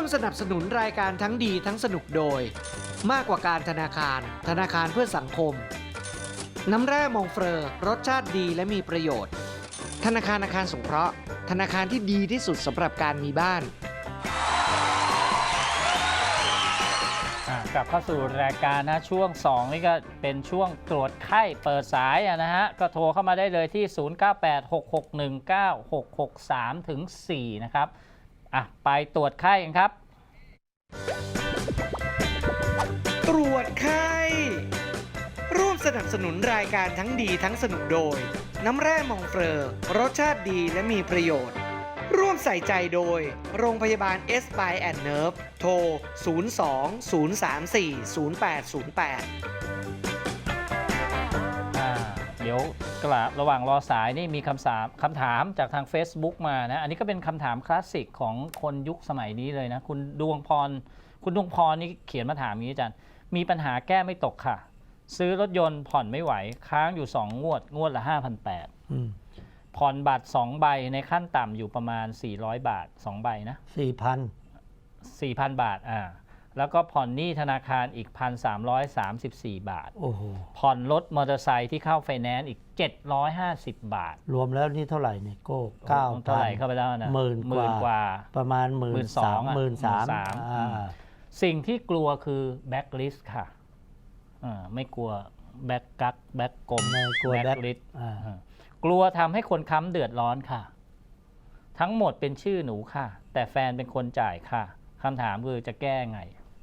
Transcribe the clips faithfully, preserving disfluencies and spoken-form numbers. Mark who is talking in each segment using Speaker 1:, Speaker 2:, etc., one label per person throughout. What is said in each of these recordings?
Speaker 1: สนับสนุนรายการทั้งดีทั้งสนุกโดยมากกว่าการธนาคารธนาคารเพื่อสังคมน้ำแร่มองเฟอร์รสชาติดีและมีประโยชน์ธนาคารอาคารสงเคราะห์ธนาคารที่ดีที่สุดสำหรับการมีบ้าน
Speaker 2: กลับเข้าสู่รายการนะช่วงสองนี่ก็เป็นช่วงตรวจไข้เปิดสายนะฮะก็โทรเข้ามาได้เลยที่ศูนย์ เก้า แปด หก หก หนึ่ง เก้า หก หก สาม ถึง สี่นะครับอ่ะไปตรวจไข้กันครับ
Speaker 1: ตรวจไข้ร่วมสนับสนุนรายการทั้งดีทั้งสนุกโดยน้ำแร่มองเฟอร์รสชาติดีและมีประโยชน์ร่วมใส่ใจโดยโรงพยาบาล Spine and Nerve โทร ศูนย์ สอง ศูนย์ สาม สี่ ศูนย์ แปด ศูนย์ แปด
Speaker 2: อ่าเดี๋ยวกระระหว่างรอสายนี่มีคำถามคำถามจากทาง Facebook มานะอันนี้ก็เป็นคำถามคลาสสิกของคนยุคสมัยนี้เลยนะคุณดวงพรคุณดวงพรนี่เขียนมาถามอย่างนี้อาจารย์มีปัญหาแก้ไม่ตกค่ะซื้อรถยนต์ผ่อนไม่ไหวค้างอยู่สองงวดงวดละ ห้าพันแปดร้อย ผ่อนบัตรสองใบในขั้นต่ำอยู่ประมาณสี่ร้อยบาทสองใบนะ
Speaker 3: สี่พัน
Speaker 2: สี่พัน บาทอ่าแล้วก็ผ่อนหนี้ธนาคารอีก หนึ่งพันสามร้อยสามสิบสี่ บาท
Speaker 3: โอ้โห
Speaker 2: ผ่อนรถมอเตอร์ไซค์ที่เข้าไฟแนนซ์อีกเจ็ดร้อยห้าสิบบาท
Speaker 3: รวมแล้วนี่เท่าไหร่เนี่ยโก้เก้า
Speaker 2: เท่าไหร่เข้าไปแล้วนะ
Speaker 3: หมื่น
Speaker 2: หมื่นกว่า
Speaker 3: ประมาณหมื่นสองหมื่นสาม
Speaker 2: สิ่งที่กลัวคือแบ็คลิสต์ค่ะอ่าไม่กลัวแบ็คกักแบ็คกลม
Speaker 3: ไม่กลัวแบ็ค
Speaker 2: ลิสต์กลัวทำให้คนค้ำเดือดร้อนค่ะทั้งหมดเป็นชื่อหนูค่ะแต่แฟนเป็นคนจ่ายค่ะคำถามคือจะแก้ไง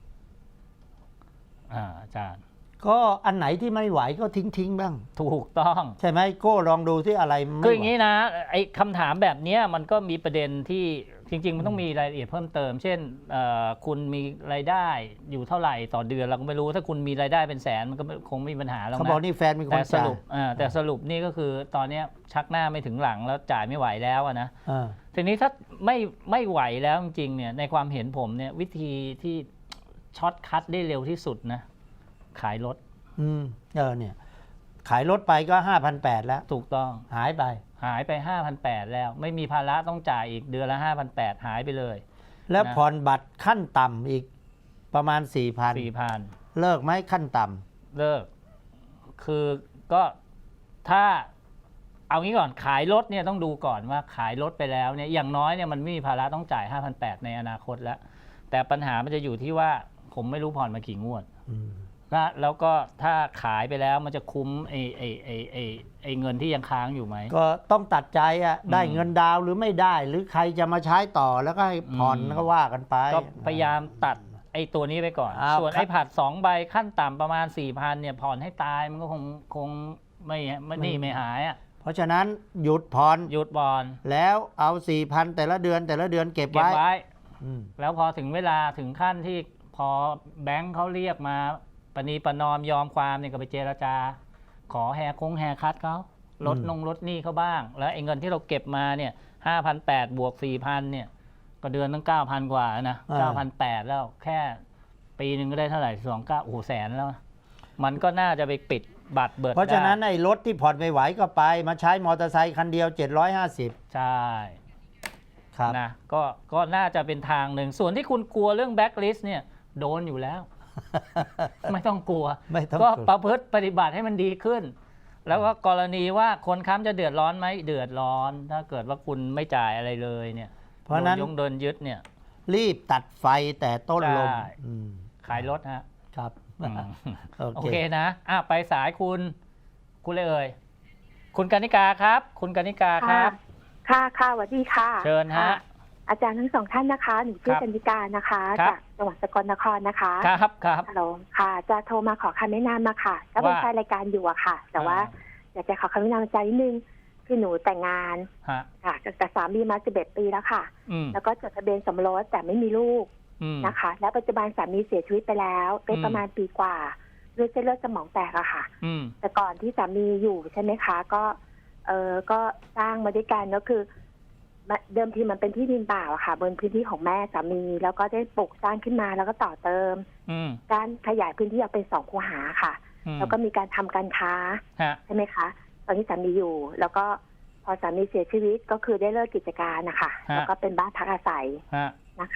Speaker 2: อ่าอาจารย์
Speaker 3: ก็อันไหนที่ไม่ไหวก็ทิ้งทิ้งบ้าง
Speaker 2: ถูกต้อง
Speaker 3: ใช่ไหมโก้ลองดูที่อะไรไม่ไหว
Speaker 2: คืออย่างนี้นะไอ้คำถามแบบนี้มันก็มีประเด็นที่จริงๆมันต้องมีรายละเอียดเพิ่มเติมเช่นคุณมีรายได้อยู่เท่าไหร่ต่อเดือนเราก็ไม่รู้ถ้าคุณมีรายได้เป็นแสนมันก็คงไม่มีปัญหาแล้วนะ
Speaker 3: เขาบอกนี่แฟนเป็นคน
Speaker 2: จ่ายแต่สรุปแต่สรุปนี่ก็คือตอนนี้ชักหน้าไม่ถึงหลังแล้วจ่ายไม่ไหวแล้วนะทีนี้ถ้าไม่ไม่ไหวแล้วจริงๆเนี่ยในความเห็นผมเนี่ยวิธีที่ช็อตคัทได้เร็วที่สุดนะขายรถ
Speaker 3: อืมเออเนี่ยขายรถไปก็ ห้าพันแปดร้อย แล้ว
Speaker 2: ถูกต้อง
Speaker 3: หายไป
Speaker 2: หายไป ห้าพันแปดร้อย แล้วไม่มีภาระต้องจ่ายอีกเดือนละ ห้าพันแปดร้อย หายไปเลย
Speaker 3: แล้วผ่อนบัตรขั้นต่ำอีกประมาณ สี่พัน
Speaker 2: สี่พัน
Speaker 3: เลิกไหมขั้นต่
Speaker 2: ำเลิกคือก็ถ้าเอางี้ก่อนขายรถเนี่ยต้องดูก่อนว่าขายรถไปแล้วเนี่ยอย่างน้อยเนี่ยมันไม่มีภาระต้องจ่าย ห้าพันแปดร้อย ในอนาคตแล้วแต่ปัญหามันจะอยู่ที่ว่าผมไม่รู้ผ่อนมากี่งวดแล้วก็ถ้าขายไปแล้วมันจะคุ้มไอ้ไอ้ไอ้ไอ้ไอ้เงินที่ยังค้างอยู่ไหม
Speaker 3: ก็ต้องตัดใจอ่ะได้เงินดาวหรือไม่ได้หรือใครจะมาใช้ต่อแล้วก็ให้ผ่อนก็ว่ากันไป
Speaker 2: ก็พยายามตัดไอ้ตัวนี้ไปก่อนส่วนไอ้ผัดสองใบขั้นต่ำประมาณ สี่พัน เนี่ยผ่อนให้ตายมันก็คงคงไม่ไม่นี่ไม่หายอ่ะ
Speaker 3: เพราะฉะนั้นหยุดผ่อน
Speaker 2: หยุดผ่อน
Speaker 3: แล้วเอา สี่พัน แต่ละเดือนแต่ละเดือนเก็บไว้
Speaker 2: แล้วพอถึงเวลาถึงขั้นที่พอแบงค์เขาเรียกมาปณีประนอมยอมความเนี่ยก็ไปเจรจาขอแฮร์คงแฮร์คัทเขาลดนงลดหนี้เขาบ้างแล้วไอ้เงินที่เราเก็บมาเนี่ย ห้าพันแปดร้อย บวก สี่พัน เนี่ยก็เดือนตั้ง เก้าพัน กว่านะ เก้าพันแปดร้อย แล้วแค่ปีนึงก็ได้เท่าไหร่สองเก้าโอ้โหแสนแล้วมันก็น่าจะไปปิดบัตรเบิด
Speaker 3: เพราะฉะนั้นไอ้รถที่ผ่อนไม่ไหวก็ไปมาใช้มอเตอร์ไซค์คันเดียวเจ็ดร้อยห้าสิบ
Speaker 2: ใช่ครับนะก็ก็น่าจะเป็นทางหนึ่งส่วนที่คุณกลัวเรื่องแบ็คลิสต์เนี่ยโดนอยู่แล้วไม่ต้องกลัวก็ประพฤติปฏิบัติให้มันดีขึ้นแล้วก็กรณีว่าคนค้ำจะเดือดร้อนไหมเดือดร้อนถ้าเกิดว่าคุณไม่จ่ายอะไรเลยเนี่ย
Speaker 3: เพราะนั้น
Speaker 2: ยงเดินยึดเนี่ย
Speaker 3: รีบตัดไฟแต่ต้นลม
Speaker 2: ขายรถฮะ
Speaker 3: ครับ
Speaker 2: โอเคนะอ่ะไปสายคุณคุณเลยเอ่ยคุณกนิกาครับคุณกนิกาครับ
Speaker 4: ค่ะค่ะสวัสดีค่ะ
Speaker 2: เชิญฮะ
Speaker 4: อาจารย์ทั้งสองท่านนะคะหนูชื่อกัญญิกานะคะจากจังหวัดสกลนครนะคะ
Speaker 2: ครับครับ
Speaker 4: ฮัลโหลค่ะจะโทรมาขอคำแนะนำมาค่ะก็เป็นแฟนรายการอยู่อะค่ะแต่ว่าอยากจะขอคำแนะนำใจนิดนึงคือหนูแต่งงานค่ะกับสามีมาสิบเอ็ดปีแล้วค่ะแล้วก็จดทะเบียนสมรสแต่ไม่มีลูกนะคะและปัจจุบันสามีเสียชีวิตไปแล้วได้ประมาณปีกว่าด้วยเส้นเลือดสมองแตกอะค่ะแต่ก่อนที่สามีอยู่ใช่ไหมคะก็เออก็สร้างมาด้วยกันก็คือเดิมทีมันเป็นที่ดินเปล่าค่ะบนพื้นที่ของแม่สามีแล้วก็ได้ปลูกสร้างขึ้นมาแล้วก็ต่อเติมการขยายพื้นที่ออกเป็นสองคูหาค่ะแล้วก็มีการทำการค้าใช่ไหมคะตอนที่สามีอยู่แล้วก็พอสามีเสียชีวิตก็คือได้เลิกกิจการนะคะแล้วก็เป็นบ้านพักอาศัยนะคะ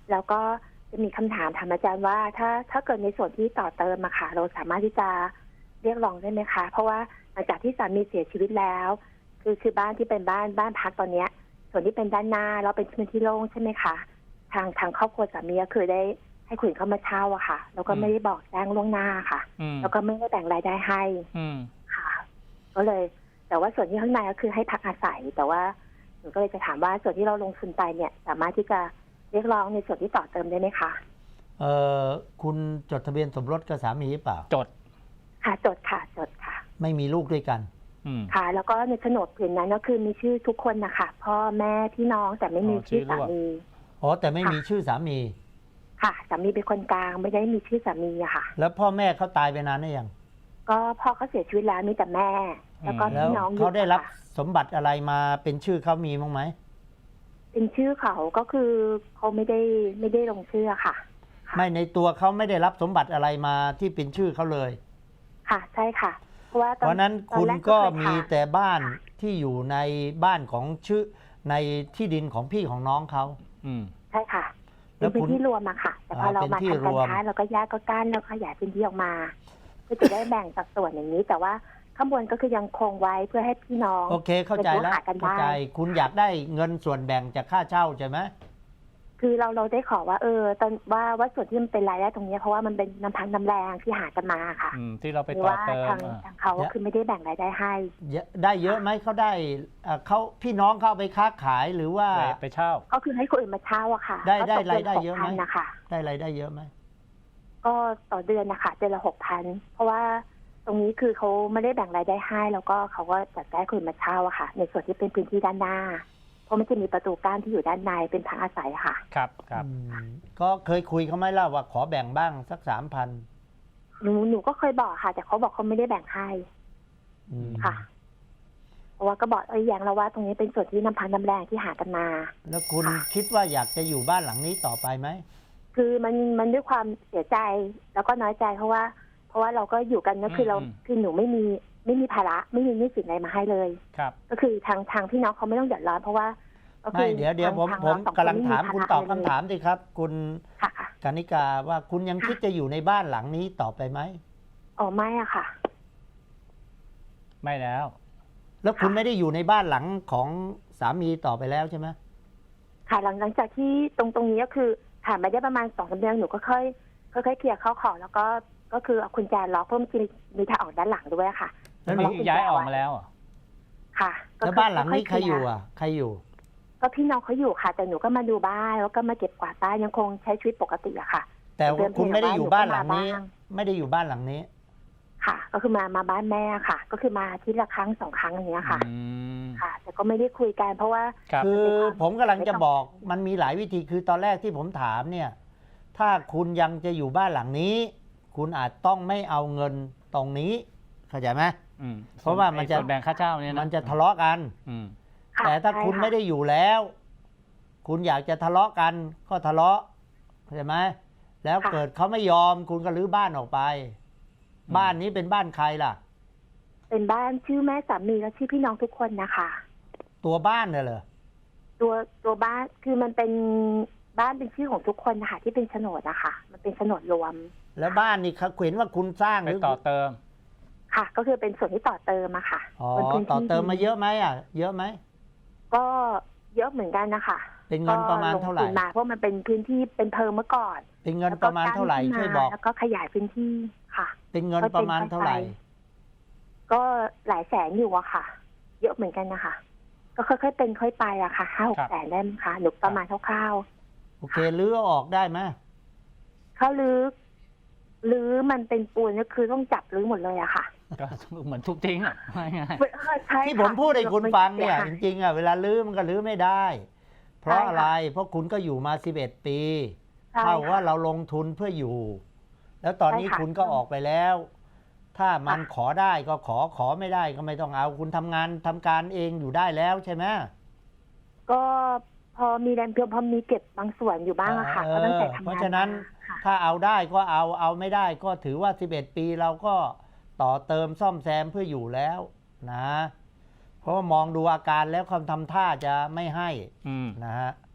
Speaker 4: แล้วก็จะมีคำถามถามอาจารย์ว่าถ้าถ้าเกิดในส่วนที่ต่อเติมอะค่ะเราสามารถที่จะเรียกร้องได้ไหมคะเพราะว่าหลังจากที่สามีเสียชีวิตแล้ว คือคือบ้านที่เป็นบ้านบ้านพักตอนเนี้ย ส่วนที่เป็นด้านหน้าแล้วเป็นพื้นที่โล่งใช่ไหมคะทางทางครอบครัวสามีก็คือได้ให้คนเข้ามาเช่าอะค่ะแล้วก็ไม่ได้บอกแจ้งล่วงหน้าค่ะแล้วก็ไม่ได้แบ่งรายได้ให้ค่ะก็เลยแต่ว่าส่วนที่ข้างในก็คือให้พักอาศัยแต่ว่าหนูก็เลยจะถามว่าส่วนที่เราลงทุนไปเนี่ยสามารถที่จะเรียกร้องในส่วนที่ต่อเติมได้ไหมคะ
Speaker 3: เออคุณจดทะเบียนสมรสกับสามีหรือเปล่า
Speaker 2: จด
Speaker 4: ค่ะจดค่ะจดค่ะ
Speaker 3: ไม่มีลูกด้วยกัน
Speaker 4: ค่ะแล้วก็ในโฉนดผืนนั้นก็คือมีชื่อทุกคนนะคะพ่อแม่พี่น้องแต่ไม่มีชื่อสามี
Speaker 3: อ๋อแต่ไม่มีชื่อสามี
Speaker 4: ค่ะสามีเป็นคนกลางไม่ได้มีชื่อสามีอะค่ะ
Speaker 3: แล้วพ่อแม่เขาตายไปนานหรือยัง
Speaker 4: ก็พ่อเขาเสียชีวิตแล้วมีแต่แม่แล้วก็พี่น้อง
Speaker 3: เขาได้รับสมบัติอะไรมาเป็นชื่อเขามีมั้งไหม
Speaker 4: เป็นชื่อเขาก็คือเขาไม่ได้ไม่ได้ลงชื่อค่ะ
Speaker 3: ไม่ในตัวเขาไม่ได้รับสมบัติอะไรมาที่เป็นชื่อเขาเลย
Speaker 4: ค่ะใช่ค่ะเพราะว่า
Speaker 3: เพราะนั้นคุณก็มีแต่บ้านที่อยู่ในบ้านของชื่อในที่ดินของพี่ของน้องเขา
Speaker 4: อืมใช่ค่ะเป็นพื้นที่รวมอะค่ะแต่พอเรามาทำการค้าเราก็แยกก็กั้นแล้วขยายพื้นที่ออกมาเพื่อจะได้แบ่งสัดส่วนอย่างนี้แต่ว่าข้างบนก็คือยังคงไว้เพื่อให้พี่น้อง
Speaker 3: โอเคเข้าใจแล้วเข้าใจคุณอยากได้เงินส่วนแบ่งจากค่าเช่าใช่ไหม
Speaker 4: คือเราเราได้ขอว่าเออตอนว่าว่าส่วนที่มันเป็นรายได้ตรงนี้เพราะว่ามันเป็นน้ำพักน้ำแรงที่หากันมาค่ะ
Speaker 2: ที่เราไปต่อเติม
Speaker 4: ทางทางเขาคือไม่ได้แบ่งรายได้ให้
Speaker 3: ได้เยอะไหมเขาได้เขาพี่น้องเข้าไปค้าขายหรือว่า
Speaker 2: ไปเช่า
Speaker 4: ก็คือให้คนอื่นมาเช่าอะค่ะ
Speaker 3: ได้ได้รายได้เยอะไหม
Speaker 4: นะคะ
Speaker 3: ได้รายได้เยอะไหม
Speaker 4: ก็ต่อเดือนนะคะเดือนละหกพันเพราะว่าตรงนี้คือเขาไม่ได้แบ่งรายได้ให้แล้วก็เขาก็จัดได้คนมาเช่าอะค่ะในส่วนที่เป็นพื้นที่ด้านหน้าเพราะมันจะมีประตูกั้นที่อยู่ด้านในเป็นทางอาศัยค่ะ
Speaker 2: ครับครับ
Speaker 3: ก็เคยคุยเขาไหมล่ะว่าขอแบ่งบ้างสักสามพัน
Speaker 4: หนูหนูก็เคยบอกค่ะแต่เขาบอกเขาไม่ได้แบ่งให้ค่ะเพราะว่าก็บอกเอ้ยอย่างเราว่าตรงนี้เป็นส่วนที่น้ำพักน้ำแรงที่หากันมา
Speaker 3: แล้วคุณคิดว่าอยากจะอยู่บ้านหลังนี้ต่อไปไหม
Speaker 4: คือมันมันด้วยความเสียใจแล้วก็น้อยใจเพราะว่าเพราะว่าเราก็อยู่กันก็คือเราคือหนูไม่มีไม่มีภาระไม่มีหนี้สินอะไรมาให้เลย
Speaker 2: ครับ
Speaker 4: ก็คือทางทางพี่น้องเขาไม่ต้องเดือดร้อนเพราะว่า
Speaker 3: ไม่เดี๋ยวเดี๋ยวผมผมกำลังถามคุณตอบคำถามสิครับคุณกนิกาว่าคุณยังคิดจะอยู่ในบ้านหลังนี้ต่อไปไหม
Speaker 4: อ๋อไม่อะค่ะ
Speaker 2: ไม่แล้ว
Speaker 3: แล้วคุณไม่ได้อยู่ในบ้านหลังของสามีต่อไปแล้วใช่ไหม
Speaker 4: ค่ะหลังหลังจากที่ตรงตรงนี้ก็คือผ่านมาได้ประมาณสองสามเดือนหนูก็ค่อยค่อยๆเคลียร์เข้าของแล้วก็ก็คือเอาคุณแจล็อกเพิ่มมีทางออกด้านหลังด้วยค่ะ
Speaker 2: แล้วย้ายออกมาแล้วอ่ะ
Speaker 4: ค่ะ
Speaker 3: แล้วบ้านหลังนี้ใครอยู่อ่ะใครอยู่
Speaker 4: ก็พี่น้องเขาอยู่ค่ะแต่หนูก็มาดูบ้านแล้วก็มาเก็บกวาดบ้านยังคงใช้ชีวิตปกติอะค่ะ
Speaker 3: แต่คุณไม่ได้อยู่บ้านหลังนี้ไม่ได้อยู่บ้านหลังนี้
Speaker 4: ค่ะก็คือมามาบ้านแม่ค่ะก็คือมาที่ละครั้งสองครั้งอย่างเงี้ยค่ะค่ะแต่ก็ไม่ได้คุยกันเพราะว่า
Speaker 3: คือผมกำลังจะบอกมันมีหลายวิธีคือตอนแรกที่ผมถามเนี่ยถ้าคุณยังจะอยู่บ้านหลังนี้คุณอาจต้องไม่เอาเงินตรงนี้เข้าใจไหมเพราะว่ามันจะ
Speaker 2: แบ่งค่าเช่าเนี่ย
Speaker 3: มันจะทะเลาะกันแต่ถ้าคุณไม่ได้อยู่แล้วคุณอยากจะทะเลาะกันก็ทะเลาะเข้าใจไหมแล้วเกิดเขาไม่ยอมคุณก็รื้อบ้านออกไปบ้านนี้เป็นบ้านใครล่ะ
Speaker 4: เป็นบ้านชื่อแม่สามีและชื่อพี่น้องทุกคนนะคะ
Speaker 3: ตัวบ้านเนี่ยเหรอ
Speaker 4: ตัวตัวบ้านคือมันเป็นบ้านเป็นชื่อของทุกคนนะคะที่เป็นโฉนดนะคะมันเป็นโฉนดรวม
Speaker 3: แล้วบ้านนี่เขาเห็นว่าคุณสร้างหรือ
Speaker 2: ต่อเติม
Speaker 4: ค่ะก็คือเป็นส่วนที่ต่อเติมอะค่ะ
Speaker 3: อ๋อต่อเติมมาเยอะไหมอ่ะเยอะไหม
Speaker 4: ก็เยอะเหมือนกันนะคะ
Speaker 3: เป็นเงินประมาณเท่าไหร่
Speaker 4: มาเพราะมันเป็นพื้นที่เป็นเพิงเมื่อก่อน
Speaker 3: เป็นเงินประมาณเท่าไหร่ช่วยบอก
Speaker 4: แล้วก็ขยายพื้นที่ค่ะ
Speaker 3: เป็นเงินประมาณเท่าไหร่
Speaker 4: ก็หลายแสนอยู่อะค่ะเยอะเหมือนกันนะคะก็ค่อยๆเป็นค่อยไปอะค่ะห้าหกแสนได้ไหมคะหรือประมาณคร่าว
Speaker 3: ๆโอเคลื้อออกได้ไหม
Speaker 4: เขาลื้อลื้อมันเป็นปูนก็คือต้องจับลื้อหมดเลยอะค่ะ
Speaker 2: ก็เหมือนทุบทิ้งอ่ะ
Speaker 3: ที่ผมพูดให้คุณฟังเนี่ยจริงๆอ่ะเวลาลื้อมันก็ลื้อไม่ได้เพราะอะไรเพราะคุณก็อยู่มาสิบเอ็ดปีเท่าว่าเราลงทุนเพื่ออยู่แล้วตอนนี้คุณก็ออกไปแล้วถ้ามันขอได้ก็ขอขอไม่ได้ก็ไม่ต้องเอาคุณทำงานทำการเองอยู่ได้แล้วใช่ไหม
Speaker 4: ก็พอมีแรงเพียงพอมีเก็บบางส่วนอยู่บ้างอะค่ะก็ตั้งแต่ทำงาน
Speaker 3: เพราะฉะนั้นถ้าเอาได้ก็เอาเอาไม่ได้ก็ถือว่าสิบเอ็ดปีเราก็ต่อเติมซ่อมแซมเพื่ออยู่แล้วนะเพราะว่ามองดูอาการแล้วคำทำท่าจะไม่ให้นะฮะ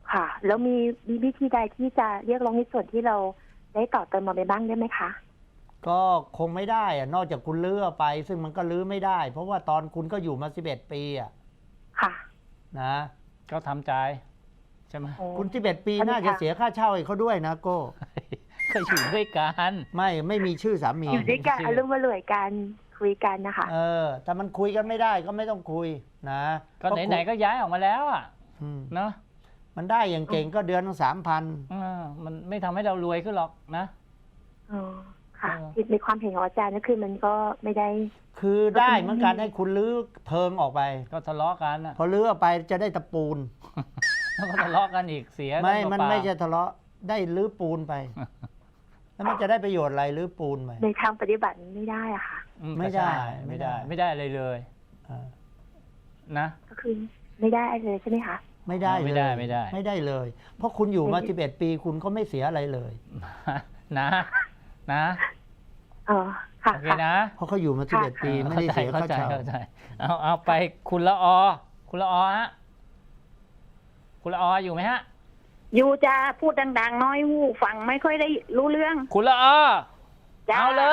Speaker 4: ค่ะ แล้วมีมีวิธีใดที่จะเรียกร้องในส่วนที่เราได้ต่อเติมมาไปบ้างได้ไหมคะ
Speaker 3: ก็คงไม่ได้อะนอกจากคุณลื้อไป ซึ่งมันก็ลื้อไม่ได้ เพราะว่าตอนคุณก็อยู่มาสิบเอ็ดปีอะ
Speaker 4: ค่ะ
Speaker 3: นะ
Speaker 2: ก็ทำใจใช่ไหม
Speaker 4: โอ้
Speaker 3: คุณสิบเอ็ดปี
Speaker 4: อันนี้
Speaker 3: น่าจะ
Speaker 4: ค่ะ
Speaker 3: เสียค่าเช่าให้เขาด้วยนะโก้
Speaker 2: ก็อยู่ด้วยกัน
Speaker 3: ไม่ไม่มีชื่อสามี
Speaker 4: อยู่ด้วยกัน
Speaker 2: ชื่อ
Speaker 4: อารมณ์มารวยกันคุยกันนะคะ
Speaker 3: เออแต่มันคุยกันไม่ได้ก็ไม่ต้องคุยนะ
Speaker 2: ก็ไหนๆก็ย้ายออกมาแล้วอ่ะ
Speaker 3: อืม
Speaker 2: เนาะ
Speaker 3: มันได้อย่างเก่งก็เดือนสามพัน
Speaker 2: อ่ามันไม่ทำให้เรารวยขึ้นหรอกนะ
Speaker 4: อ๋อ ค่ะ
Speaker 2: เออ
Speaker 4: ในความเห็นของอาจารย์ก็คือมันก็ไม่ได้
Speaker 3: คือได้เหมือนกันให้คุณลื้อเพิงออกไป
Speaker 2: ก็ทะเลาะกันอ่ะ
Speaker 3: พอลื้อออกไปจะได้ตะปูน
Speaker 2: แล้วก็ทะเลาะกันอีกเสีย
Speaker 3: ไม่
Speaker 2: กั
Speaker 3: มัน
Speaker 2: เปล่าๆ
Speaker 3: ไม่จะทะเลาะได้ลื้อปูนไป แล้วมันจะได้ประโยชน์อะไรลื้อปูนไป
Speaker 4: ในทางปฏิบัติไม่ได้อะค่ะ
Speaker 2: อื
Speaker 3: ไม่ได้
Speaker 2: ก็ใช่
Speaker 3: ไม่
Speaker 2: ไม่
Speaker 3: ได้
Speaker 2: ได้ ไม่ได้อะไรเลย
Speaker 3: อ่า
Speaker 2: นะ
Speaker 4: ก็คือไม่ได้อะไรเลยใช่ไหมคะ
Speaker 3: ไม่ได้
Speaker 2: ไม่
Speaker 3: เลย
Speaker 2: ได้ไม่ได้
Speaker 3: ไม่ได้เลย เพราะคุณอยู่มา
Speaker 4: ไม่
Speaker 3: สิบเอ็ดปีคุณก็ไม่เสียอะไรเลย
Speaker 2: นะ นะ
Speaker 4: เออค่ะ
Speaker 2: โอเค
Speaker 4: ค่ะ
Speaker 2: นะ
Speaker 3: เพราะเขาอยู่มาสิบเอ็ดปีไม่ได้เสีย
Speaker 2: เข้า
Speaker 3: ค่า
Speaker 2: ใจ
Speaker 3: เช่า
Speaker 2: เข้าใจเอาเอาไปคุณละออ คุณละออฮะคุณละอออยู่ไหมฮะ
Speaker 5: อยู่จะพูดดังๆน้อยหูฟังไม่ค่อยได้รู้เรื่อง
Speaker 2: คุณละออ
Speaker 5: จ้า
Speaker 2: เอาเลย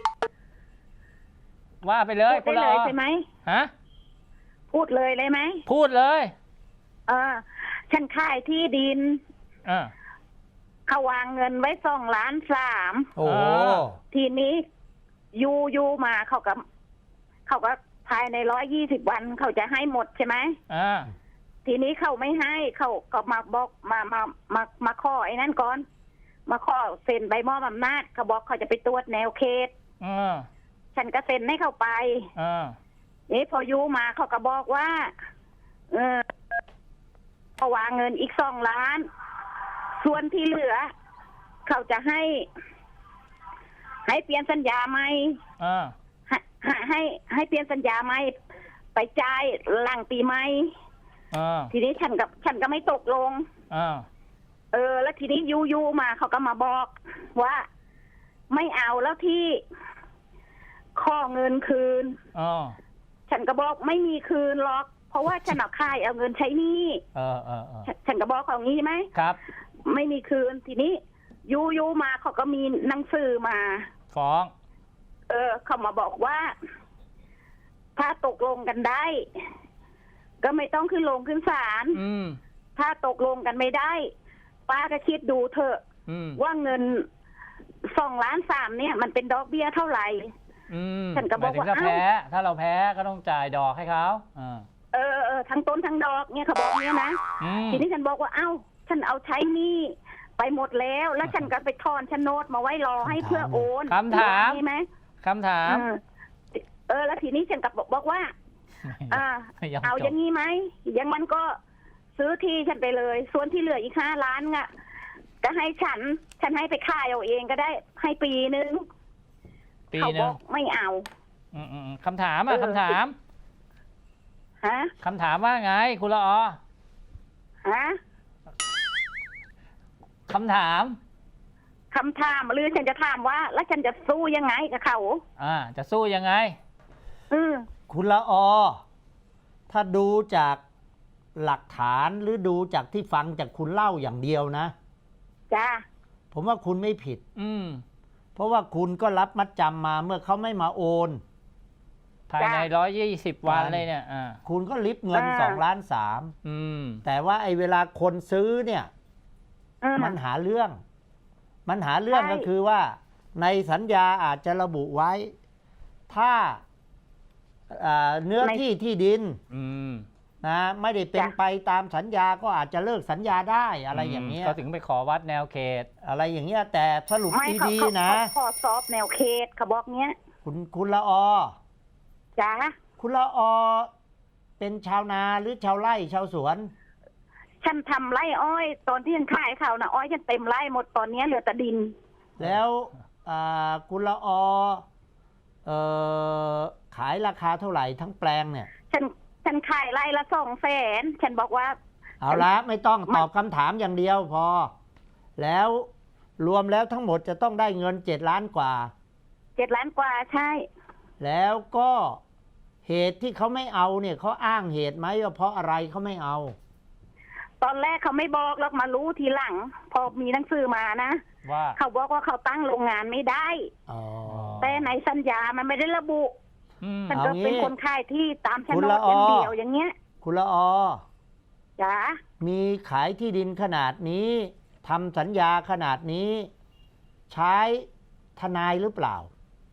Speaker 2: ว่าไปเลย
Speaker 5: พูด
Speaker 2: คุณ
Speaker 5: ได้
Speaker 2: ละ
Speaker 5: เล
Speaker 2: อย อ
Speaker 5: ใช่ไหม
Speaker 2: ฮะ
Speaker 5: พูดเลยเลยไหม
Speaker 2: พูดเลย
Speaker 5: เออ ฉันขายที่ดิน
Speaker 2: อ่า
Speaker 5: เขาวางเงินไว้สองล้านสาม
Speaker 3: โอ้โห
Speaker 2: อ่า
Speaker 5: ทีนี้ยูยูมาเขาก็เขาก็ภายในร้อยยี่สิบวันเขาจะให้หมดใช่ไหม
Speaker 2: อ่า
Speaker 5: ทีนี้เขาไม่ให้เขาก็มาบอกมามามามาข้อไอ้นั่นก่อน มาข้อเซ็นใบมอบอำนาจเขาบอกเขาจะไปตรวจแนวเขต
Speaker 2: อ่า
Speaker 5: ฉันก็เซ็นให้เขาไป
Speaker 2: อ่า
Speaker 5: เอ๊ะพอยูมาเขาก็บอกว่า เออเขาวางเงินอีกสองล้าน ส่วนที่เหลือ เขาจะให้ ให้เปลี่ยนสัญญาไหม
Speaker 2: อ่า
Speaker 5: ให้ให้ให้ให้เปลี่ยนสัญญาไหมไปจ่ายหลังปีใหม่
Speaker 2: อ่า
Speaker 5: ทีนี้ฉันกับฉันก็ไม่ตกลง
Speaker 2: อ่า
Speaker 5: เออ แล้วทีนี้ยูยูมาเขาก็มาบอกว่า ไม่เอาแล้วที่ข้อเงินคืน
Speaker 2: อ๋อ
Speaker 5: ฉันก็บอกไม่มีคืนหรอก เพราะว่าฉันเอาค่ายเอาเงินใช้หนี้
Speaker 2: เออเออเออ
Speaker 5: ฉันฉันก็บอกเขางี้ไหม
Speaker 2: ครับ
Speaker 5: ไม่มีคืนทีนี้ยูยูมาเขาก็มีหนังสือมา
Speaker 2: ฟ้อง
Speaker 5: เออ เขามาบอกว่า ถ้าตกลงกันได้ ก็ไม่ต้องขึ้นลงขึ้นศาล
Speaker 2: อืม
Speaker 5: ถ้าตกลงกันไม่ได้ ป้าก็คิดดูเถอะ
Speaker 2: อืม
Speaker 5: ว่าเงินสองล้านสามเนี่ย มันเป็นดอกเบี้ยเท่าไหร่
Speaker 2: อืม
Speaker 5: ฉันก็บอก
Speaker 2: หมยถึง
Speaker 5: ว่า
Speaker 2: ถ้าแพ้ ถ้าเราแพ้ก็ต้องจ่ายดอกให้เขาอ่า
Speaker 5: เออเออทั้งต้นทั้งดอกเนี่ยเขาบอกเนี่ยนะ
Speaker 2: อืม
Speaker 5: ทีนี้ฉันบอกว่าเอ้า ฉันเอาใช้หนี้ไปหมดแล้ว แล้วฉันก็ไปทอนโฉนดมาไว้รอให้เพื่อโอน
Speaker 2: คำถาม
Speaker 5: ใช่ไหม
Speaker 2: คำถาม
Speaker 5: เออเออ แล้วทีนี้ฉันก็บอกบอกว่า อ่า
Speaker 2: ไม่ยอม
Speaker 5: เอา
Speaker 2: จ
Speaker 5: อบ ย่างนี้ไหมอย่างมันก็ซื้อที่ฉันไปเลย ส่วนที่เหลืออีกห้าล้านอ่ะก็ให้ฉัน ฉันให้ไปขายเอาเองก็ได้ ให้ปีนึง
Speaker 2: ปี
Speaker 5: เขา
Speaker 2: ห
Speaker 5: บ
Speaker 2: นึ่
Speaker 5: อง กไม่เอา
Speaker 2: อืมอืมอืมคำถามอ่ะ
Speaker 5: เออ
Speaker 2: คำถาม
Speaker 5: ฮะ
Speaker 2: คำถามว่าไง คุณละออ
Speaker 5: ฮะ
Speaker 2: คำถาม
Speaker 5: คำถามหรือฉันจะถามว่า แล้วฉันจะสู้ยังไงกับเขา
Speaker 2: อ่า จะสู้ยังไง
Speaker 5: อืม
Speaker 3: คุณละออ ถ้าดูจากหลักฐานหรือดูจากที่ฟังจากคุณเล่าอย่างเดียวนะ
Speaker 5: จ้า
Speaker 3: ผมว่าคุณไม่ผิด
Speaker 2: อืม
Speaker 3: เพราะว่าคุณก็รับมัดจำมาเมื่อเขาไม่มาโอน
Speaker 2: ภายในร้อยยี่สิบวันเลยเนี่ย อ่า
Speaker 3: คุณก็ลิฟเงินสองล้านสาม
Speaker 2: อืม
Speaker 3: แต่ว่าไอ้เวลาคนซื้อเนี่ย
Speaker 5: อืม
Speaker 3: มันหาเรื่อง มันหาเรื่อง
Speaker 5: ใช่
Speaker 3: ก็คือว่า ในสัญญาอาจจะระบุไว้ ถ้าอ่าเนื้อที่ที่ดิน
Speaker 2: อืม
Speaker 3: นะไม่ได้เป็นไปตามสัญญาก็อาจจะเลิกสัญญาได้อะไรอย่างเงี้ย
Speaker 2: ก็ถึงไปขอวัดแนวเขต
Speaker 3: อะไรอย่างเงี้ย แต่สรุป
Speaker 5: ไม่เขา
Speaker 3: ดี
Speaker 5: เขา
Speaker 3: ๆนะ
Speaker 5: เขาขอสอบแนวเขตเขาบอกเนี้ย
Speaker 3: คุณคุณละออ
Speaker 5: จ้า
Speaker 3: คุณละออ เป็นชาวนาหรือชาวไร่ชาวสวน
Speaker 5: ฉันทำไร่อ้อย ตอนที่ฉันขายเขานะอ้อยฉันเต็มไร่หมดตอนเนี้ยเหลือแต่ดิน
Speaker 3: แล้วอ่าคุณละออเอ่อขายราคาเท่าไหร่ทั้งแปลงเนี่ย
Speaker 5: ฉันฉันขายไร่ละสองแสนฉันบอกว่า
Speaker 3: เอาละไม่ต้อง
Speaker 5: มัน
Speaker 3: ตอบคำถามอย่างเดียวพอ แล้วรวมแล้วทั้งหมดจะต้องได้เงินเจ็ดล้านกว่า
Speaker 5: เจ็ดล้านกว่าใช่
Speaker 3: แล้วก็เหตุที่เขาไม่เอาเนี่ยเขาอ้างเหตุไหมว่าเพราะอะไรเขาไม่เอา
Speaker 5: ตอนแรกเขาไม่บอกแล้วมารู้ทีหลัง พอมีหนังสือมานะ
Speaker 2: ว่า
Speaker 5: เขาบอกว่าเขาตั้งโรงงานไม่ได้
Speaker 3: อ๋อ
Speaker 5: แต่ในสัญญามันไม่ได้ระบุ
Speaker 2: อืม
Speaker 5: ฉันก็
Speaker 3: เอางี้
Speaker 5: เป็นคนขายที่ตามโฉ
Speaker 3: คุ
Speaker 5: น
Speaker 3: ณ
Speaker 5: ด
Speaker 3: ละออ
Speaker 5: อย่างเดียวอย่างเงี้ย
Speaker 3: คุณละออ
Speaker 5: จ้า
Speaker 3: มีขายที่ดินขนาดนี้ทำสัญญาขนาดนี้ ใช้ทนายหรือเปล่า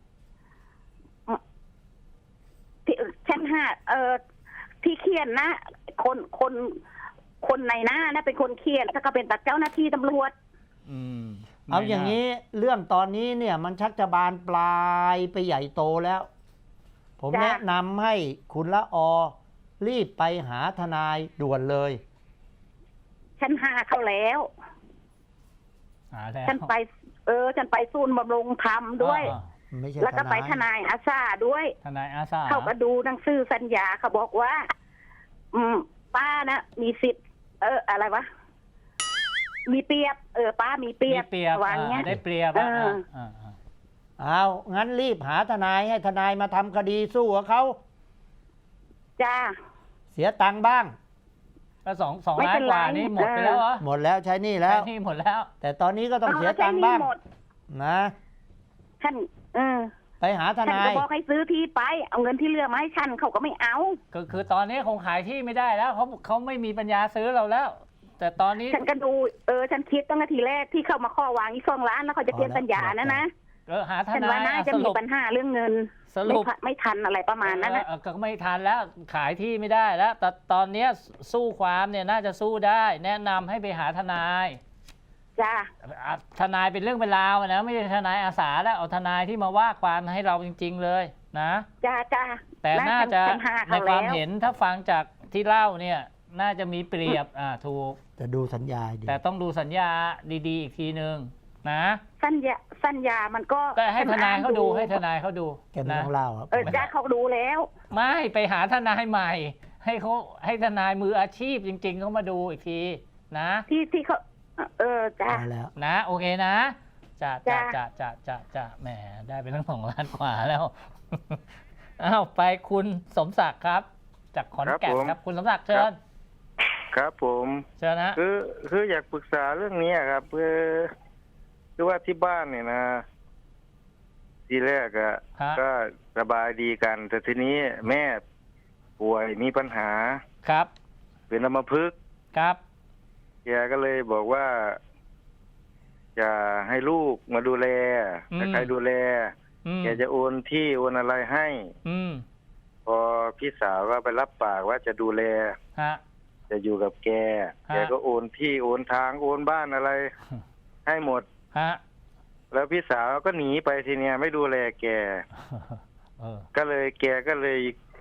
Speaker 5: ที่ฉันหาเอ่อที่เขียนนะ คนคนคนในหน้านะเป็นคนเขียนแล้วก็เป็นตัดเจ้าหน้าที่ตำรวจ
Speaker 2: อืม
Speaker 3: เอาอย่าง
Speaker 2: นี้
Speaker 3: นี้เรื่องตอนนี้เนี่ยมันชักจะบานปลายไปใหญ่โตแล้ว ผม
Speaker 5: จ้ะ
Speaker 3: แนะนำให้คุณละออ รีบไปหาทนายด่วนเลย
Speaker 5: ฉันหาเขาแล้ว
Speaker 2: หาแล้ว
Speaker 5: ฉันไป เออ ฉันไปศูนย์บำรุงธรรมด้วย
Speaker 2: อ่า
Speaker 3: ไม่ใช่
Speaker 5: แล้วก็ไปทนายอาซาด้วย
Speaker 2: ทนายอาสา
Speaker 5: เขาก็ดูหนังสือสัญญาเขาบอกว่า อืม ป้านะมีสิทธิ์ เออ อะไรวะ มีเปรียบ เออ ป้ามีเปรี
Speaker 2: มี
Speaker 5: ยบ
Speaker 2: เปรียบ
Speaker 5: วางเงี้ย
Speaker 2: อ่าได้เปรียบ
Speaker 5: เอ
Speaker 2: อ่ะ
Speaker 5: อ
Speaker 2: อ่าอ่า
Speaker 3: เอางั้นรีบหาทนายให้ทนายมาทำคดีสู้กับเขา
Speaker 5: จ้า
Speaker 3: เสียตังค์บ้าง
Speaker 2: แล้วสองสอง
Speaker 5: ไม่
Speaker 2: ล้า
Speaker 5: เป็น น
Speaker 2: กว่า
Speaker 5: ไร
Speaker 2: นี่หมดไปแล้วเหรอ
Speaker 3: หมดแล้วใช้หนี่แล้ว
Speaker 2: ใช้หนี่หมดแล้ว
Speaker 3: แต่ตอนนี้ก็ต้อง
Speaker 5: เอา
Speaker 3: เสีย
Speaker 5: แล้ว
Speaker 3: ตังค์บ้าง
Speaker 5: ใช้หนี้หมด
Speaker 3: นะ
Speaker 5: ฉัน เออ
Speaker 3: ไปหาท
Speaker 5: ฉัน
Speaker 3: นา
Speaker 5: ก็
Speaker 3: ย
Speaker 5: บอกให้ซื้อที่ไป เอาเงินที่เหลือมาให้ฉันเขาก็ไม่เอา
Speaker 2: ก็คือตอนนี้คงขายที่ไม่ได้แล้วเขาเขาไม่มีปัญญาซื้อเราแล้ว แต่ตอนนี้
Speaker 5: ฉันก็ดู เออ ฉันคิดตั้งแต่ทีแรกที่เขามาข้อวางอีกสองล้านแล้วเขาจะเปลี่ยน
Speaker 3: พอแล้ว
Speaker 5: สัญญานะนะ
Speaker 2: เออหาท
Speaker 5: ฉัน
Speaker 2: นา
Speaker 5: ว่าย น่า
Speaker 2: อ่ะ
Speaker 5: จะ
Speaker 2: ส
Speaker 5: มี
Speaker 2: รุป
Speaker 5: ปัญหาเรื่องเงิน
Speaker 2: สรุป
Speaker 5: ไม่ทันไม่ทันอะไรประมาณนั้นนะ
Speaker 2: เออก็ไม่ทันแล้วขายที่ไม่ได้แล้ว แต่ตอนเนี้ยสู้ความเนี่ยน่าจะสู้ได้ แนะนำให้ไปหาทนาย
Speaker 5: จ้า
Speaker 2: อ่ะทนายเป็นเรื่องเป็นราวนะไม่ใช่ทนายอาสาแล้วเอาทนายที่มาว่าความให้เราจริง ๆเลยนะ
Speaker 5: จ้าจ้า
Speaker 2: แต่น่าจะ
Speaker 5: ฉันหา
Speaker 2: ใน
Speaker 5: เขา
Speaker 2: ค
Speaker 5: แล้ว
Speaker 2: าว มเห็นถ้าฟังจากที่เล่าเนี่ยน่าจะมีเปรียบอ่าถูก
Speaker 3: จะดูสัญญาให้ดี
Speaker 2: แต่ต้องดูสัญญาดีๆ อีกทีนึงนะ
Speaker 5: สัญญาสัญญามันก็
Speaker 2: ก็ให้ทนายเขาดูให้ทนายเขาดู
Speaker 3: แกไม่
Speaker 2: นะ
Speaker 3: ต้องเล่าครับ
Speaker 5: เออจ้าเขาดูแล้ว
Speaker 2: ไม่ไปหาทนายใหม่ ให้เขาให้ทนายมืออาชีพจริง ๆเขามาดูอีกทีนะ
Speaker 5: ที่ที่เขาเออจ้า
Speaker 3: มาแล้ว
Speaker 2: นะโอเคนะจ้าจ้า
Speaker 5: จ้ะ
Speaker 2: จ้าจ้าจ้าจ้าแหมได้ไปทั้งสองล้านกว่าแล้ว อ้าวไปคุณสมศักดิ์ครับ จากขอนแก่น
Speaker 6: ครับผม
Speaker 2: ครับ คุณสมศักดิ์เชิญ
Speaker 6: ครับผม
Speaker 2: เชิญนะ
Speaker 6: คือคืออยากปรึกษาเรื่องนี้ครับคือคือว่าที่บ้านเนี่ยนะ ทีแรกอะ
Speaker 2: ฮะ
Speaker 6: ก็สบายดีกัน แต่ทีนี้แม่ป่วยมีปัญหา
Speaker 2: ครับ
Speaker 6: เป็นอัมพฤกษ์
Speaker 2: ครับ
Speaker 6: แกก็เลยบอกว่า จะให้ลูกมาดูแล
Speaker 2: อืม
Speaker 6: ถ้าใครดูแล
Speaker 2: อืม
Speaker 6: แกจะโอนที่โอนอะไรให้
Speaker 2: อืม
Speaker 6: พอพี่สาวก็ไปรับปากว่าจะดูแล
Speaker 2: ฮะ
Speaker 6: จะอยู่กับแก
Speaker 2: ฮะ
Speaker 6: แกก็โอนที่โอนทางโอนบ้านอะไร ให้หมด
Speaker 2: ฮะ
Speaker 6: แล้วพี่สาวก็หนีไปทีเนี้ยไม่ดูแลแก
Speaker 2: เออ
Speaker 6: ก็เลยแกก็เลย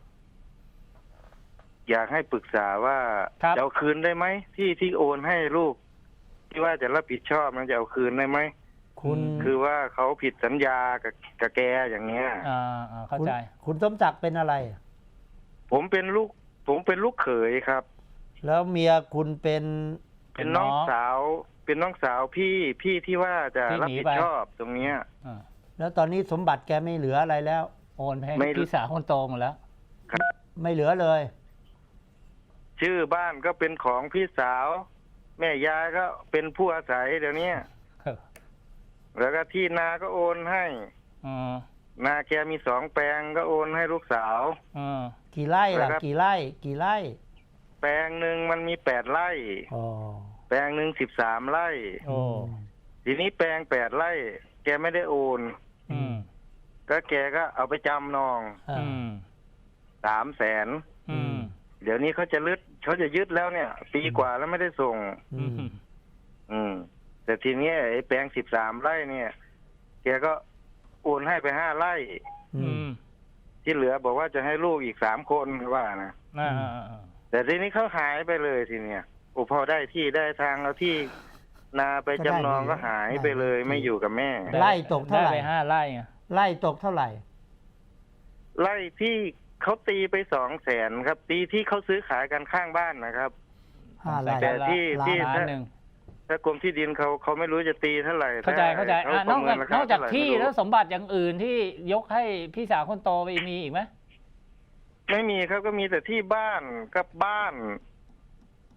Speaker 6: อยากให้ปรึกษาว่า
Speaker 2: ครับ
Speaker 6: จะเอาคืนได้ไหมที่ที่โอนให้ลูก ที่ว่าจะรับผิดชอบมันจะเอาคืนได้ไหม
Speaker 3: คุณ
Speaker 6: คือว่าเขาผิดสัญญากับกับแกอย่างเงี้ย
Speaker 2: อ่าอ่าเข้า
Speaker 3: คุณ
Speaker 2: ใจ
Speaker 3: คุณสมศักดิ์เป็นอะไร
Speaker 6: ผมเป็นลูก ผมเป็นลูกเขยครับ
Speaker 3: แล้วเมียคุณเป็น
Speaker 6: เป็นน้องสาว เป็นน้องสาวพี่พี่ที่ว่าจะ
Speaker 2: ที่
Speaker 6: รับ
Speaker 2: หนี
Speaker 6: ผิด
Speaker 2: ไป
Speaker 6: ชอบตรงเนี้ย
Speaker 2: อ่า
Speaker 3: แล้วตอนนี้สมบัติแกไม่เหลืออะไรแล้ว
Speaker 2: โอนไปให้
Speaker 6: ไม่
Speaker 2: พี่สาวคนโตหมดแล้ว
Speaker 3: ไม่เหลือเลย
Speaker 6: ชื่อบ้านก็เป็นของพี่สาว แม่ยายก็เป็นผู้อาศัยเดี๋ยวนี้ แล้วก็ที่นาก็โอนให้
Speaker 2: อืม
Speaker 6: นาแกมีสองแปลงก็โอนให้ลูกสาว
Speaker 2: อืม
Speaker 3: กี่ไร่
Speaker 6: แล้
Speaker 3: ล่ะ
Speaker 6: วครับ
Speaker 3: กี่ไร่ กี่ไร่
Speaker 6: แปลงหนึ่งมันมีแปดไร่
Speaker 3: อ๋อ
Speaker 6: แปลงหนึ่งสิบสามไร่
Speaker 2: โอ้
Speaker 6: ทีนี้แปลงแปดไร่ แกไม่ได้โอน
Speaker 2: อืม
Speaker 6: ก็แกก็เอาไปจำนอง
Speaker 3: อ่า
Speaker 2: อืม
Speaker 6: สามแสน
Speaker 2: อืม
Speaker 6: เดี๋ยวนี้เขาจะลึดเขาจะยึดแล้วเนี่ย ปีกว่าแล้วไม่ได้ส่ง
Speaker 3: อื
Speaker 2: อื
Speaker 3: ม
Speaker 2: ม
Speaker 6: อืม แต่ทีเนี้ยไอ้แปลงสิบสามไร่เนี่ย แกก็โอนให้ไปห้าไร่
Speaker 3: อื
Speaker 2: อื
Speaker 3: ม
Speaker 2: ม
Speaker 6: ที่เหลือบอกว่าจะให้ลูกอีกสามคนว่านะ
Speaker 2: อ่าอ่าอ่า
Speaker 6: แต่ทีนี้เขาหายไปเลยทีเนี้ยโอ้พอได้ที่ได้ทางแล้วที่นาไปจำนองก็หายไปเลยไม่อยู่กับแม่
Speaker 3: ไร่ตกเท่าไหร่
Speaker 2: ด้ไปห้าไร่ไง
Speaker 3: ไร่ตกเท่าไหร่
Speaker 6: ไร่ที่เขาตีไปสองแสนครับ ตีที่เขาซื้อขายกันข้างบ้านนะครับ
Speaker 3: ห้าไร่
Speaker 6: แต่ที่ที่
Speaker 2: ล้านหนึ่ง
Speaker 6: ถ้ากรมที่ดินเขาเขาไม่รู้จะตีเท่าไหร่
Speaker 2: เข้าใจเข้าใจ
Speaker 6: ถ้
Speaker 2: อ่ะนอก
Speaker 6: ประ
Speaker 2: จาก
Speaker 6: เมิรคน
Speaker 2: อกจาก
Speaker 6: เท่ไหร่
Speaker 2: ที่
Speaker 6: ไม่รู้
Speaker 2: แล้วสมบัติอย่างอื่นที่ยกให้พี่สาวคนโตไปมีอีกไหม
Speaker 6: ไม่มีครับก็มีแต่ที่บ้านกับบ้าน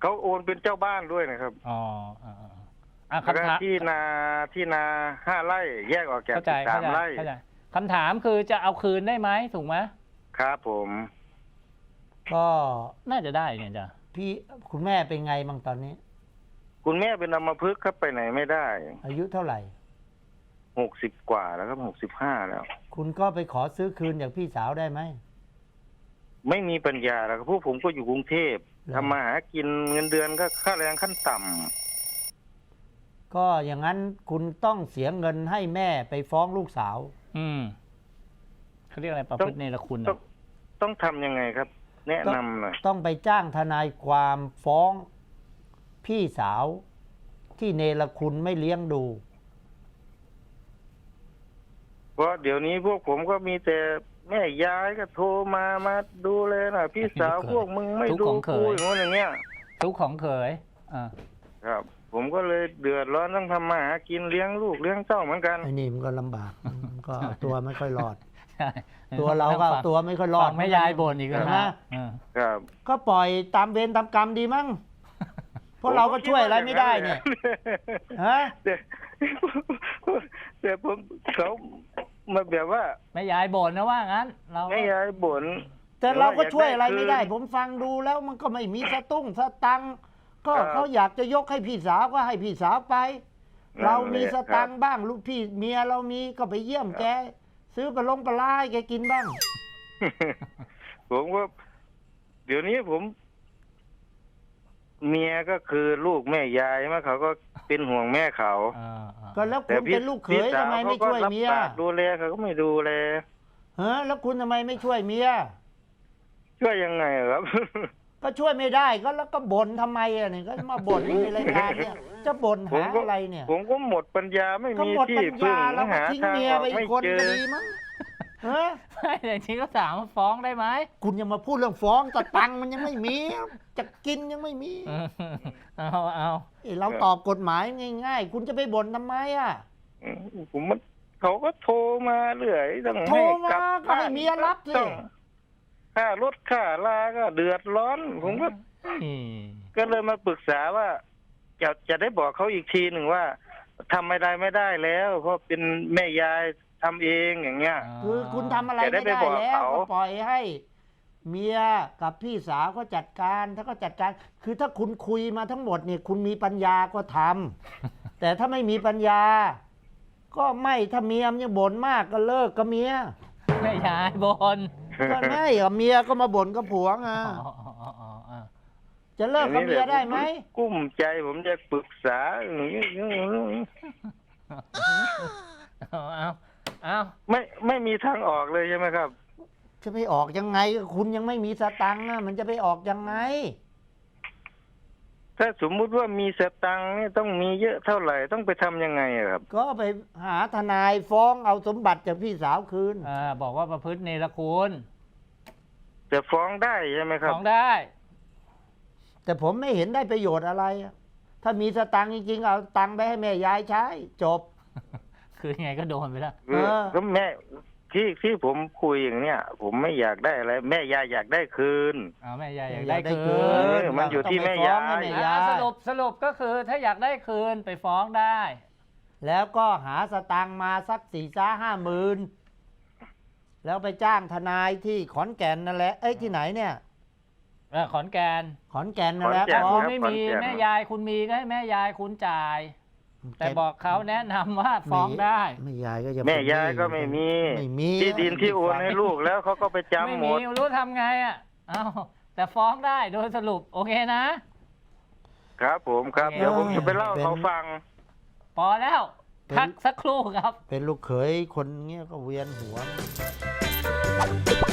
Speaker 6: เขาโอนเป็นเจ้าบ้านด้วยนะครับ
Speaker 2: อ๋ออ่าอ่า
Speaker 6: แล้วก็
Speaker 2: คำถาม
Speaker 6: ที่นาที่นาห้าไร่แยกออกจาก
Speaker 2: เข้าใจ
Speaker 6: สา
Speaker 2: เข้าม ใจ
Speaker 6: ไร่
Speaker 2: เข้าใจคำถามคือจะเอาคืนได้ไหมถูกไหม
Speaker 6: ครับผม
Speaker 3: ก็
Speaker 2: น่าจะได้เนี่ยจ้ะ
Speaker 3: พี่คุณแม่เป็นไงบ้างตอนนี้
Speaker 6: คุณแม่เป็นอัมพฤกษ์ครับไปไหนไม่ได้
Speaker 3: อายุเท่าไหร่
Speaker 6: หกสิบกว่าแล้วครับหกสิบห้าแล้ว
Speaker 3: คุณก็ไปขอซื้อคืนจากพี่สาวได้ไหม
Speaker 6: ไม่มีปัญญาแล้วครับพวกผมก็อยู่กรุงเทพ
Speaker 3: อ
Speaker 6: ทำมาหากินเงินเดือนก็ค่าแรงขั้นต่ำ
Speaker 3: ก็อย่างนั้นคุณต้องเสียเงินให้แม่ไปฟ้องลูกสาว
Speaker 2: อืมเขาเรียกอะไรประพฤติเนรคุณ
Speaker 6: ต้อง
Speaker 2: อะ
Speaker 6: ต้องทำยังไงครับ แนะนำหน่อย
Speaker 3: ต้องไปจ้างทนายความฟ้องพี่สาวที่เนรคุณไม่เลี้ยงดู
Speaker 6: เพราะเดี๋ยวนี้พวกผมก็มีแต่แม่ยายก็โทรมามาดูเลยนะพี่สาวพวกมึงไม่ดูกูอย่างนู้นอย่างเงี้ย
Speaker 2: ทุกของเขยอ่า
Speaker 6: ครับ ผมก็เลยเดือดร้อนต้องทำมาหากินเลี้ยงลูกเลี้ยงเต้าเหมือนกัน
Speaker 3: ไอ้นี่มันก็ลำบาก มันก็เอาตัวไม่ค่อยรอด
Speaker 2: ใช่
Speaker 3: ตัวเราก็เอาตัวไม่ค่อยรอ
Speaker 2: ฟั
Speaker 3: ด
Speaker 2: งแม่ยายบ่นอีกแล้ว
Speaker 3: ใช่ไหม
Speaker 2: นะเออ
Speaker 6: ครับ
Speaker 3: ก็ปล่อยตามเวรตามกรรมดีมั้ง เพราะเราก็ช่วยอะไรไม่ได้เนี่ย ฮะ
Speaker 6: แต่แต่ผมเขามาแบบว่า
Speaker 2: แม่ยายบ่นนะว่างั้น เราก็
Speaker 6: แม่ยายบ่น
Speaker 3: แต่เราก็ช่วยอะไรไม่ได้
Speaker 6: คืน
Speaker 3: ผมฟังดูแล้วมันก็ไม่มีสตุ้งสตังค์ก็
Speaker 6: ครับ
Speaker 3: เขาอยากจะยกให้พี่สาวก็ให้พี่สาวไป
Speaker 6: นั่นแหละ
Speaker 3: เรามีสตัง
Speaker 6: ครั
Speaker 3: ค์
Speaker 6: บ
Speaker 3: บ้างลูกพี่เมียเรามีก็ไปเยี่ยมแก ซื้อปลาลงปลาลาให้แกกินบ้าง
Speaker 6: ผมว่าเดี๋ยวนี้ผม เมียก็คือลูกแม่ยายมาเขาก็เป็นห่วงแม่เขา
Speaker 2: อ่าอ่า
Speaker 3: ก็แล้ว
Speaker 6: แต่
Speaker 3: คุณ
Speaker 6: พี่
Speaker 3: เป็นลูกเข
Speaker 6: พี่
Speaker 3: ย
Speaker 6: สา
Speaker 3: ทำไมไม่
Speaker 6: ขาก็
Speaker 3: ช่วย
Speaker 6: รับ
Speaker 3: เมีย
Speaker 6: ปากดูแลเขาก็ไม่ดูแล
Speaker 3: เฮ้แล้วคุณทำไมไม่ช่วยเมีย
Speaker 6: ช่วยยังไงครับ
Speaker 3: ก็ช่วยไม่ได้ก็แล้วก็บ่นทำไมอ่ะเนี่ยก็มาบ่นในรายการเนี่ยจะบ่น
Speaker 6: ผม
Speaker 3: หา
Speaker 6: ก็
Speaker 3: อะไรเนี่ย
Speaker 6: ผมก็หมดปัญญาไม่
Speaker 3: ก็
Speaker 6: มี
Speaker 3: หมด
Speaker 6: ที่
Speaker 3: ปัญ
Speaker 6: พึ่ง
Speaker 3: ญาแล้วก็
Speaker 6: หา
Speaker 3: ทิ้ง
Speaker 6: ทาง
Speaker 3: เมีย
Speaker 6: ออก
Speaker 3: ไปอี
Speaker 6: ไม่
Speaker 3: กคน
Speaker 6: เจ
Speaker 3: ก็
Speaker 6: อ
Speaker 3: ดีมั้งเฮ้ย
Speaker 2: ไม่แต่จริงก็ถามว่าฟ้องได้ไหม
Speaker 3: คุณยังมาพูดเรื่องฟ้องแต่ตังค์มันยังไม่มี จะกินยังไม่มี
Speaker 2: เออเอาเอา
Speaker 3: เอ้ยเราตอบกฎหมายง่ายๆ คุณจะไปบ่นทำไมอ่ะ
Speaker 6: ผมมันเขาก็โทรมาเรื่อยต้อง
Speaker 3: โทร
Speaker 6: ให้
Speaker 3: มาก
Speaker 6: ลับ
Speaker 3: ก็ให้เมียรับสิ
Speaker 6: ต้องค่ารถค่าลาก็เดือดร้อน ผมก็
Speaker 2: อืม
Speaker 6: ก็เลยมาปรึกษาว่า จะจะได้บอกเขาอีกทีหนึ่งว่าทำไม่ได้ไม่ได้แล้ว เพราะเป็นแม่ยายทำเองอย่างเงี้ย
Speaker 3: คือคุณทำอะไร
Speaker 6: จะได้
Speaker 3: ไม่ได้
Speaker 6: ไปบอก
Speaker 3: แล้ว
Speaker 6: เขา
Speaker 3: ก็ปล่อยให้ เมียกับพี่สาวก็จัดการถ้าก็จัดการ คือถ้าคุณคุยมาทั้งหมดเนี่ยคุณมีปัญญาก็ทำ แต่ถ้าไม่มีปัญญา ก็ไม่ถ้าเมียมันยังบ่นมากก็เลิกกับเมีย
Speaker 2: แม่ยายบ่น
Speaker 3: ก็ไม่กับเมียก็มาบ่นกับผัวไง
Speaker 2: อ๋ออ๋ออ๋ออ๋อ
Speaker 3: จะเลิกกับเมียได้ไหม
Speaker 6: กุ้มใจผมจะปรึกษาอย่างนี้
Speaker 2: เอาเอาเอา
Speaker 6: ไม่ไม่มีทางออกเลยใช่ไหมครับ
Speaker 3: จะไปออกยังไงคุณยังไม่มีสตังค์อะมันจะไปออกยังไง
Speaker 6: ถ้าสมมุติว่ามีสตังค์นี่ต้องมีเยอะเท่าไหร่ต้องไปทำยังไงอะครับ
Speaker 3: ก็ไปหาทนายฟ้องเอาสมบัติจากพี่สาวคืน
Speaker 2: อ่าบอกว่าประพฤติเนรคุณ
Speaker 6: จะฟ้องได้ใช่ไหมครับ
Speaker 2: ฟ้องได้
Speaker 3: แต่ผมไม่เห็นได้ประโยชน์อะไรอะถ้ามีสตังค์จริงๆเอาตังค์ไปให้แม่ยายใช้จบ
Speaker 2: คือยังไงก็โดนไปแล้ว
Speaker 6: คือ
Speaker 3: เออ
Speaker 6: ก็แม่ที่ที่ผมคุยอย่างเนี้ย ผมไม่อยากได้อะไร แม่ยายอยากได้คืน
Speaker 2: เอาแม่ยายอยาก
Speaker 3: อยา
Speaker 2: ได้
Speaker 3: กได้
Speaker 2: คื
Speaker 3: คื
Speaker 2: น
Speaker 6: เออมันอยู่ที่แม่ยาย
Speaker 3: ต้องไปฟ้องให้แม่ยา
Speaker 2: อ่าย สรุปสรุปก็คือถ้าอยากได้คืนไปฟ้องได้
Speaker 3: แล้วก็หาสตังค์มาสักสี่จ้าห้าหมื่นแล้วไปจ้างทนายที่ขอนแก่นนั่นแหละเอ้ยที่ไหนเนี่ย
Speaker 2: เออขอนแก่น
Speaker 3: ขอนแก่นนั่นแหละ
Speaker 6: ขอนแก่น
Speaker 3: ฟ้
Speaker 2: คุ
Speaker 3: อ
Speaker 2: ณ
Speaker 3: ง
Speaker 2: ไม่มี
Speaker 6: ขอนแก่น
Speaker 2: แม่ยายคุณมีก็ให้แม่ยายคุณจ่าย แต่บอกเขาแนะนำว่าฟ้องได้
Speaker 3: แม่ยายก็จะ
Speaker 6: แม่ยายก็ไม่มี
Speaker 3: ไม่มี
Speaker 6: ที่ดินที่โอนให้ลูกแล้วเขาก็ไป
Speaker 2: ไม่
Speaker 6: จำหม
Speaker 2: มี
Speaker 6: ด
Speaker 2: รู้ทำไงอ่ะเอาแต่ฟ้องได้โดยสรุปโอเคนะ
Speaker 6: ครับผมครับ
Speaker 2: โอเค
Speaker 6: เดี๋ยวผมจะไปเล่าให้เขาฟัง
Speaker 2: พอแล้วพักสักครู่ครับ
Speaker 3: เป็นลูกเขยคนเงี้ยก็เวียนหัว